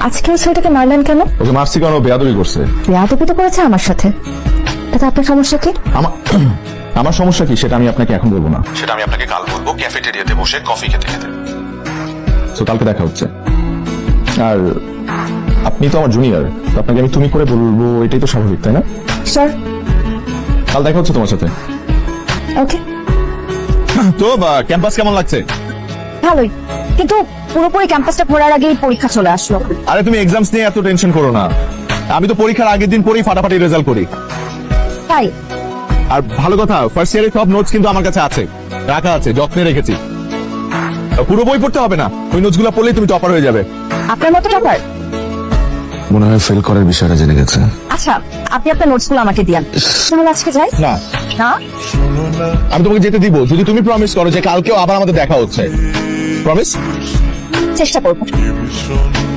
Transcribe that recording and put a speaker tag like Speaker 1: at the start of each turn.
Speaker 1: আজকে ওই ছেলেটাকে মারলেন কেন?
Speaker 2: ওকে মারছি কারণ ও বেয়াদবি করছে।
Speaker 1: বেয়াদবি তো করেছে আমার সাথে, তাতে আপনার সমস্যা কি?
Speaker 2: আমার সমস্যা কি সেটা আমি আপনাকে এখন বলবো না, সেটা আমি আপনাকে কাল বলবো ক্যাফেটেরিয়াতে বসে কফি খেতে খেতে। তো কালকে দেখা হচ্ছে। আর আপনি তো আমার জুনিয়র, আপনাকে আমি তুমি করে বলবো, এটাই তো স্বাভাবিক, তাই না?
Speaker 1: স্যার
Speaker 2: কাল দেখা হচ্ছে তোমার সাথে।
Speaker 1: ওকে।
Speaker 2: তো ক্যাম্পাস কেমন লাগছে?
Speaker 1: ভালোই, কিন্তু পুরোপুরি ক্যাম্পাসটা ঘোরার আগেই পরীক্ষা চলে আসলো।
Speaker 2: আরে তুমি এক্সামস নিয়ে এত টেনশন করো না, আমি তো পরীক্ষার আগের দিন পরেই ফাটাফাটি রেজাল্ট করি।
Speaker 1: তাই?
Speaker 2: আর ভালো কথা, ফার্স্ট ইয়ারের সব নোটস কিন্তু আমার কাছে আছে, রাখা আছে, যত্নে রেখেছি। পুরো বই পড়তে হবে না, ওই নোটসগুলো পড়লেই তুমি টপার হয়ে যাবে।
Speaker 1: আপনার মতো টপার?
Speaker 2: মনে হয় ফেল করার বিষয়টা জেনে গেছে।
Speaker 1: আচ্ছা, আপনি আপনার নোটসগুলো আমাকে দিন, তাহলে আজকে যাই।
Speaker 2: না
Speaker 1: না,
Speaker 2: আমি তোমাকে যেতে দিব যদি তুমি প্রমিস করো যে কালকেও আবার আমাদের দেখা হচ্ছে। প্রমিস?
Speaker 1: চেষ্টা করবো।